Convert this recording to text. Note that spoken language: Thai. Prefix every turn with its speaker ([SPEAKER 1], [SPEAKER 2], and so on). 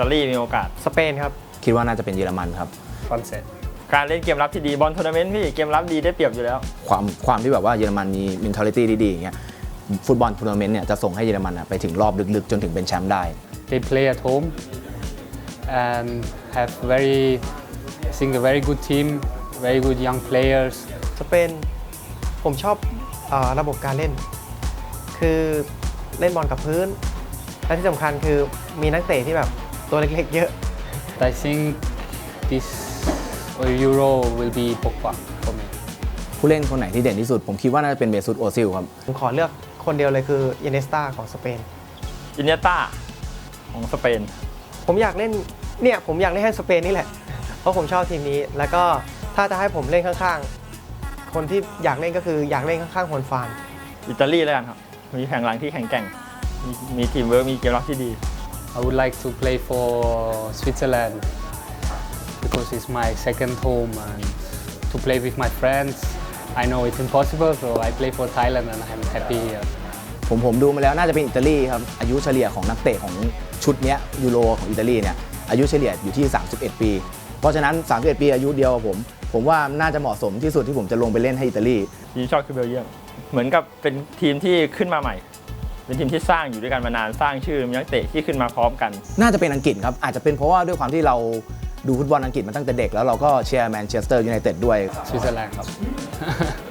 [SPEAKER 1] ตาลีมีโอกาส
[SPEAKER 2] สเปนครับ
[SPEAKER 3] คิดว่าน่าจะเป็นเยอรมันครับ
[SPEAKER 4] ฝรั่งเศส
[SPEAKER 1] การเล่นเกมรับที่ดีบอลทัวร์นาเมนต์พี่เกมรับดีได้เปรียบอยู่แล้ว
[SPEAKER 3] ความที่แบบว่าเยอรมันมี mentality ดีๆอย่างเงี้ยฟุตบอลทัวร์นาเมนต์เนี่ยจะส่งให้เยอรมันไปถึงรอบลึกๆจนถึงเป็นแชมป์ได้
[SPEAKER 4] They play at home and have I think a very good team very good young players
[SPEAKER 2] สเปนผมชอบระบบการเล่น คือเล่นบอลกับพื้นและที่สำคัญคือมีนักเตะที่แบบตัวเล็กๆเยอะ
[SPEAKER 4] I think this Euro will be Pogba for me
[SPEAKER 3] ผู้เล่นคนไหนที่เด่นที่สุดผมคิดว่าน่าจะเป็นเมซุตโอซิลครับ
[SPEAKER 2] ผมขอเลือกคนเดียวเลยคืออินเนสตาของสเปน
[SPEAKER 1] อินเนยต้าของสเปน
[SPEAKER 2] ผมอยากเล่นให้สเปนนี่แหละเพราะผมชอบทีมนี้แล้วก็ถ้าจะให้ผมเล่นข้างๆคนที่อยากเล่นก็คืออยากเล่นข้างๆฮอนฟาน
[SPEAKER 1] อิตาลีแล้วกันครับมีแผงหลังที่แข็งแกร่งมีทีมเวิร์กมีเกมรับที่ดี
[SPEAKER 4] I would like to play for Switzerland because it's my second home and to play with my friends I know it's impossible so I play for Thailand and I'm happy here
[SPEAKER 3] ผมดูมาแล้วน่าจะเป็นอิตาลีครับอายุเฉลี่ยของนักเตะของชุดนี้ยูโรของอิตาลีเนี่ยอายุเฉลี่ยอยู่ที่31ปีเพราะฉะนั้น31ปีอายุเดียวกับผมว่าน่าจะเหมาะสมที่สุดที่ผมจะลงไปเล่นให้อิตาลี
[SPEAKER 1] ทีมชอบคือเบลเยียมเหมือนกับเป็นทีมที่ขึ้นมาใหม่เป็นทีมที่สร้างอยู่ด้วยกันมานานสร้างชื่อมีนักเตะที่ขึ้นมาพร้อมกัน
[SPEAKER 3] น่าจะเป็นอังกฤษครับอาจจะเป็นเพราะว่าด้วยความที่เราดูฟุตบอลอังกฤษมาตั้งแต่เด็กแล้วเราก็เชียร์แมนเชสเตอร์ยูไนเต็ดด้วย
[SPEAKER 4] สวิตเซอร์แลนด์ครับ